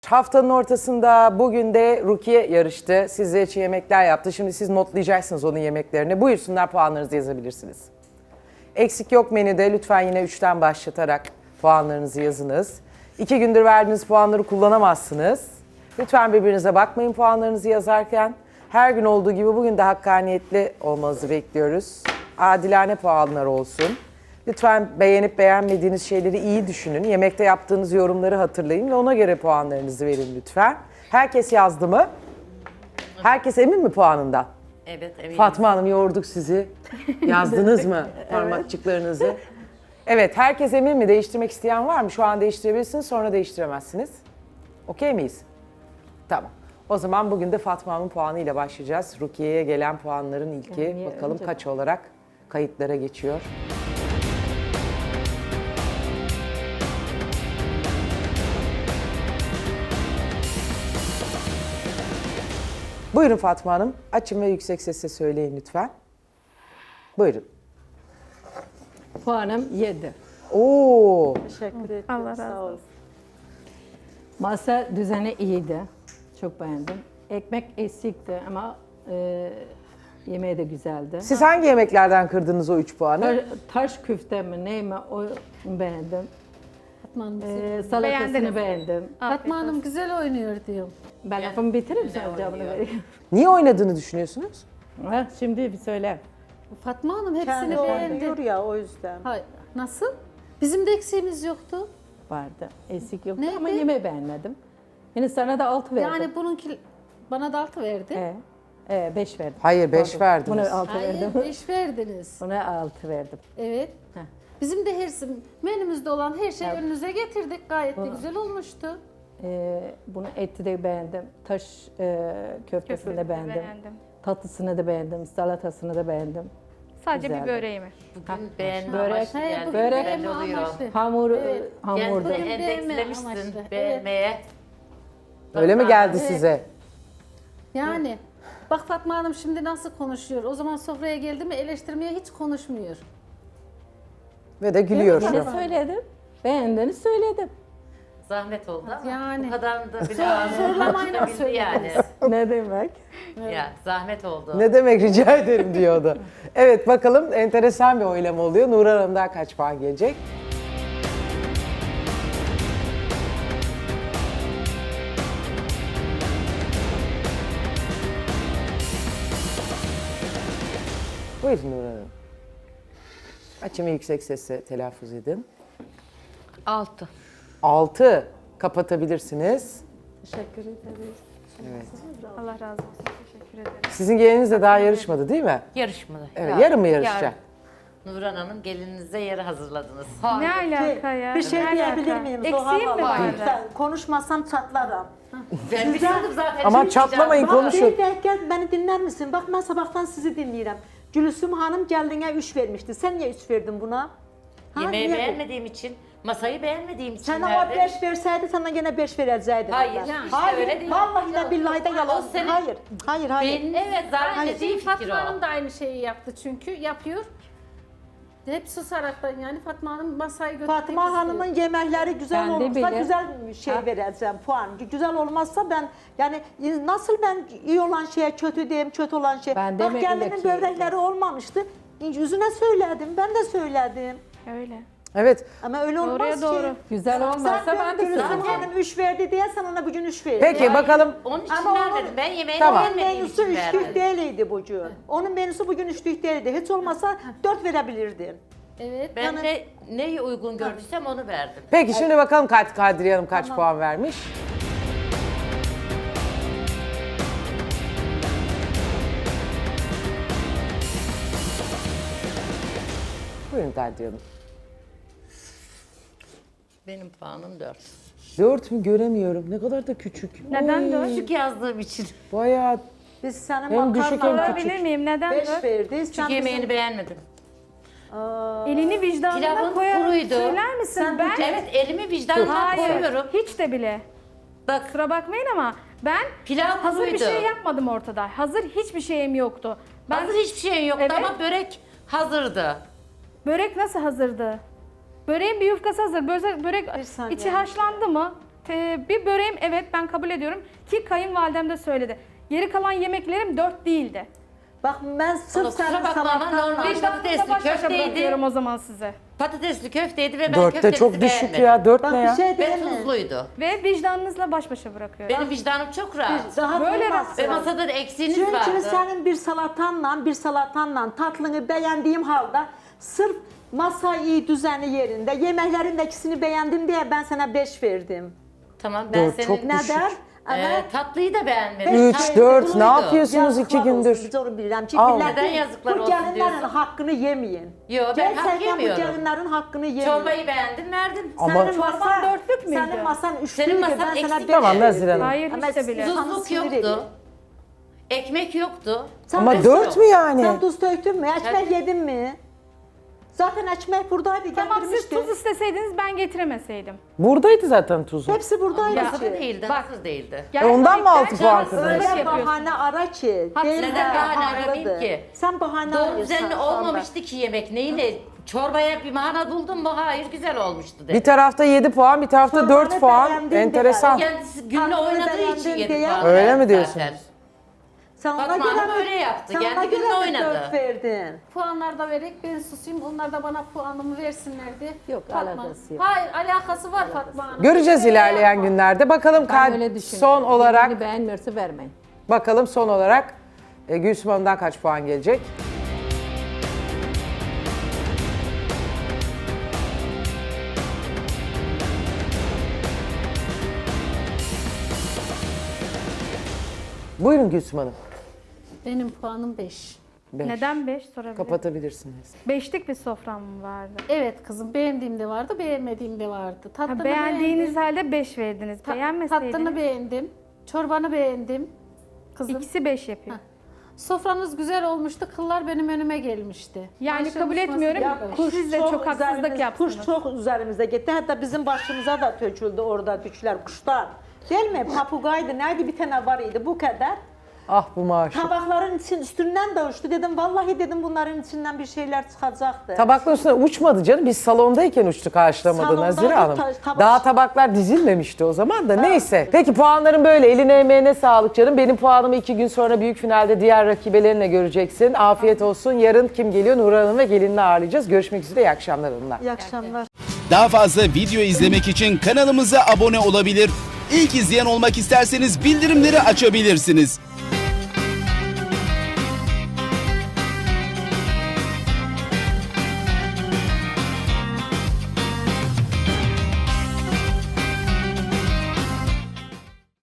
Haftanın ortasında bugün de Rukiye yarıştı. Sizler için yemekler yaptı. Şimdi siz notlayacaksınız onun yemeklerini. Buyursunlar, puanlarınızı yazabilirsiniz. Eksik yok menüde. Lütfen yine 3'ten başlatarak puanlarınızı yazınız. 2 gündür verdiğiniz puanları kullanamazsınız. Lütfen birbirinize bakmayın puanlarınızı yazarken. Her gün olduğu gibi bugün de hakkaniyetli olmanızı bekliyoruz. Adilane puanlar olsun. Lütfen beğenip beğenmediğiniz şeyleri iyi düşünün. Yemekte yaptığınız yorumları hatırlayın ve ona göre puanlarınızı verin lütfen. Herkes yazdı mı? Herkes emin mi puanından? Evet, eminim. Fatma Hanım, yorduk sizi. Yazdınız mı parmakçıklarınızı? Evet, herkes emin mi? Değiştirmek isteyen var mı? Şu an değiştirebilirsiniz, sonra değiştiremezsiniz. Okey miyiz? Tamam. O zaman bugün de Fatma Hanım'ın puanıyla başlayacağız. Rukiye'ye gelen puanların ilki. Bakalım kaç olarak kayıtlara geçiyor. Buyurun Fatma Hanım. Açın ve yüksek sesle söyleyin lütfen. Buyurun. Puanım 7. Oo, Teşekkür ederim. Allah razı Sağ ol. olsun. Masa düzeni iyiydi. Çok beğendim. Ekmek eksikti ama yemeği de güzeldi. siz hangi yemeklerden kırdınız o 3 puanı? Taş küfte mi ne mi o beğendim. Fatma Hanım, Salatasını Beğendiniz. beğendim. Fatma Hanım güzel oynuyor diyorum. Ben lafımı bitireyim sen cevabını vereyim. Niye oynadığını düşünüyorsunuz? Ha, şimdi bir söyle. Fatma Hanım hepsini Kendi beğendi. oynuyor ya o yüzden. Hayır. Nasıl? Bizim de eksiğimiz yoktu. Vardı. Eksik yoktu Neydi? ama yemeği beğenmedim. Yine sana da 6 verdim. Yani bununki bana da 6 verdi. 5 verdim. Hayır, 5 Pardon. verdiniz. Buna 6 verdim. Hayır 5 verdiniz. Buna 6 verdim. Evet. Heh. Bizim de menümüzde olan her şeyi önünüze getirdik. Gayet de güzel olmuştu. Bunu eti de beğendim. Taş köftesini de beğendim. Tatlısını da beğendim. Salatasını da beğendim. Sadece Güzeldi. bir böreğimi. Bugün beğenme Börek, amaçlı Hayır, geldi. bugün börek, beğenme oluyor. amaçlı. Hamur, Evet. hamurdu. Kendini Bugün beğenme endekslemişsin amaçlı. beğenmeye. Öyle mi geldi Evet. size? Yani bak Fatma Hanım şimdi nasıl konuşuyor. O zaman sofraya geldi mi eleştirmeye hiç konuşmuyor. Ve de gülüyor şu Yine an. söyledim. Beğendiğini söyledim. Zahmet oldu ama Yani. bu kadar da bile ağzını Zorlamayla açabildi yani. Ne demek? Ya zahmet oldu. Ne demek, rica ederim diyordu. Evet, bakalım enteresan bir oylama oluyor. Nurhan Hanım'dan kaç puan gelecek? Buyurun Nurhan Hanım. Açın ve yüksek sesle telaffuz edin. 6. 6 kapatabilirsiniz. Teşekkür ederiz. Allah razı olsun. Teşekkür ederim. Sizin geliniz de daha yarışmadı değil mi? Yarışmadı. Evet, yarın mı yarışacak? Nurhan Hanım gelinize yeri hazırladınız. Ne alaka ya? Bir şey Ne diyebilir alaka? miyim? Eksiğim mi vardı? Ben konuşmazsam çatlarım. Ben biliyordum zaten. Ama şimdi çatlamayın, Bak konuşun. bir dakika beni dinler misin? Bak ben sabahtan sizi dinleyirəm. Gülsüm Hanım geldine 3 vermişti. Sen niye 3 verdin buna? Ha, Yemeği niye? beğenmediğim için, masayı beğenmediğim için Sana o verdim. 5 verseydi sana gene 5 verəcəkdim. Hayır, ben. işte hayır, öyle değil. Vallahi de billahi de yalan. O senin- Hayır, hayır, hayır. Benim evet zaten Aynı dediğim şeyi fikir Fatma Hanım o. da aynı şeyi yaptı çünkü yapıyor. Hep susaraktan yani Fatma Hanım masayı götürmek Fatma istiyor. Hanım'ın yemekleri güzel Ben de olursa bile- güzel şey vereceğim puan. Güzel olmazsa ben yani nasıl ben iyi olan şeye kötü diyeyim, kötü olan şey. Ben Bak demek gelinin ki- börekleri olmamıştı. Yüzüne söyledim, ben de söyledim. Öyle. Evet. Ama öyle olmaz Doğruya ki. doğru. Güzel olmazsa ben de Gülsüm söylerim. Hanım 3 verdi diye sen ona bugün 3 verdin. Peki bakalım. Onun için Ama vermedim. onun- Ben yemeğini Tamam. Onun beğenmediğim menüsü için üçlük verdim. değildi bugün. Onun menüsü bugün üçlük değildi. Hiç olmasa 4 verebilirdin. Evet. Ben de neyi uygun gördüysem onu verdim. Peki şimdi bakalım Kadriye Hanım kaç puan vermiş? Buyurun Kadriye Hanım. Benim puanım 4. 4 mü göremiyorum. Ne kadar da küçük. Neden dört? Küçük yazdığım için. Bayağı Biz senin Hem düşük hem makarnana küçük. Sorabilir miyim? Neden 5 dört? verdi. Sen Çünkü yemeğini bizim- beğenmedim. Elini vicdanına Pilavın koyarak kuruydu. söyler misin? Sen Ben Evet elimi vicdanına hayır. koyuyorum. Hiç de bile. Bak Kusura bakmayın ama ben Pilav hazır bir kuruydu. şey yapmadım ortada. Hazır hiçbir şeyim yoktu. Ben hazır hiçbir şeyin yoktu Evet. ama börek hazırdı. börek nasıl hazırdı? Böreğin bir yufkası hazır. Börek Bir saniye. içi haşlandı mı? bir böreğim evet ben kabul ediyorum ki kayınvalidem de söyledi. Geri kalan yemeklerim 4 değildi. Bak ben sırf Kusura senin bakma ama salatan normal Vicdanınızla patatesli baş başa köfteydi. bırakıyorum o zaman size. Patatesli köfteydi ve ben 4'te köftemizi çok düşük beğenmedim. ya. 4 Bak ne bir ya? şey Ve değil mi? tuzluydu. Ve vicdanınızla baş başa bırakıyorum. Benim vicdanım çok rahat. Rahat Böyle olmazsın. Ve masada da eksiğiniz Çünkü vardı. senin bir salatanla tatlını beğendiğim halde sırf masa iyi düzeni yerinde, yemeklerin de ikisini beğendim diye ben sana 5 verdim. Tamam ben Dört, senin çok düşük. Neden? Ama tatlıyı da beğenmedim. 3, Tatlı 4 ne buluydu. yapıyorsunuz 2 yazıklar gündür? olsun, biz onu bilirəm ki, Al. millət Neden yazıklar bu olsun gəlinlərin diyorsun? haqqını yemeyin. Yo, ben hak Gerçekten yemiyorum. bu gəlinlərin haqqını yemeyin. Çorbayı beğendim verdim. Ama- Senin Çorban masan, dörtlük müydü? senin masan üçlüydü, Senin masan ben sana eksik. 5 Tamam, Nazire Hanım. Hayır Ama hiç de bile. siz- Tuzluk sinir yoktu. ediyor. Ekmek yoktu. Ama tuz- 4 mü yani? Sen tuz döktün mü? Ekmek Tabii. yedin mi? Zaten ekmek buradaydı, Tamam siz getirmişti. tuz isteseydiniz ben getiremeseydim. Buradaydı zaten tuzu. Hepsi buradaydı. Masada değildi, hazır değildi. ondan mı altı Gerçekten puan haksızlık kırdınız? Öyle yapıyorsunuz. bahane ara ki. Haksız. değil Neden de bahane haklıdır. arayayım ki? Sen bahane Doğru arıyorsun düzenli şu anda. olmamıştı ki yemek. Neyle? Çorbaya bir mana buldun mu? Hayır, güzel olmuştu dedi. Bir tarafta 7 puan, bir tarafta 4 Çorbanı puan. beğendim Enteresan. de Kendisi günle Tatlıyı oynadığı için beğendim yedi diye- puan Öyle verdi mi diyorsunuz? zaten. Sen ona Fatma göre Hanım mi- öyle yaptı. sen Kendi ona gününü göre mi oynadı. 4 verdin? Puanlar da vererek ben susayım. Onlar da bana puanımı versinlerdi. Yok, Fatma. alakası yok. Hayır alakası var Fatma Hanım. Göreceğiz Öyle ilerleyen yapma. günlerde. Bakalım Ben öyle düşünüyorum. son olarak Birbirini beğenmiyorsa vermeyin. bakalım son olarak Gülsüm Hanım'dan kaç puan gelecek? Buyurun Gülsüm Hanım. Benim puanım 5. Beş. Neden 5 sorabilirim. Kapatabilirsiniz. 5'lik bir sofram mı vardı? Evet kızım beğendiğim de vardı, beğenmediğim de vardı. Tatlını Ha, beğendiğiniz beğendim. halde 5 verdiniz. Tatlını Beğenmeseydiniz beğendim. Çorbanı beğendim. Kızım. ikisi 5 yapıyor. Sofranız güzel olmuştu. Kıllar benim önüme gelmişti. Yani Ayşe kabul Musması etmiyorum. yapmış. Siz de çok haksızlık yaptınız. Kuş çok üzerimize gitti. Hatta bizim başımıza da töküldü orada düşler, kuşlar. Değil mi? Papugaydı, neydi bir tane var idi bu kadar. Ah bu maaşı. Tabakların üstünden de uçtu. Dedim vallahi dedim bunların içinden bir şeyler çıkacaktı. Tabakların üstüne uçmadı canım. Biz salondayken uçtu karşılamadı Salonda Nazire da Hanım. tabak- Daha tabaklar dizilmemişti o zaman da. Neyse. Peki puanların böyle. Eline emeğine sağlık canım. Benim puanımı 2 gün sonra büyük finalde diğer rakibelerinle göreceksin. Afiyet olsun. Yarın kim geliyor? Nur Hanım ve gelinini ağırlayacağız. Görüşmek üzere. İyi akşamlar hanımlar. İyi akşamlar. Daha fazla video izlemek için kanalımıza abone olabilir. İlk izleyen olmak isterseniz bildirimleri açabilirsiniz.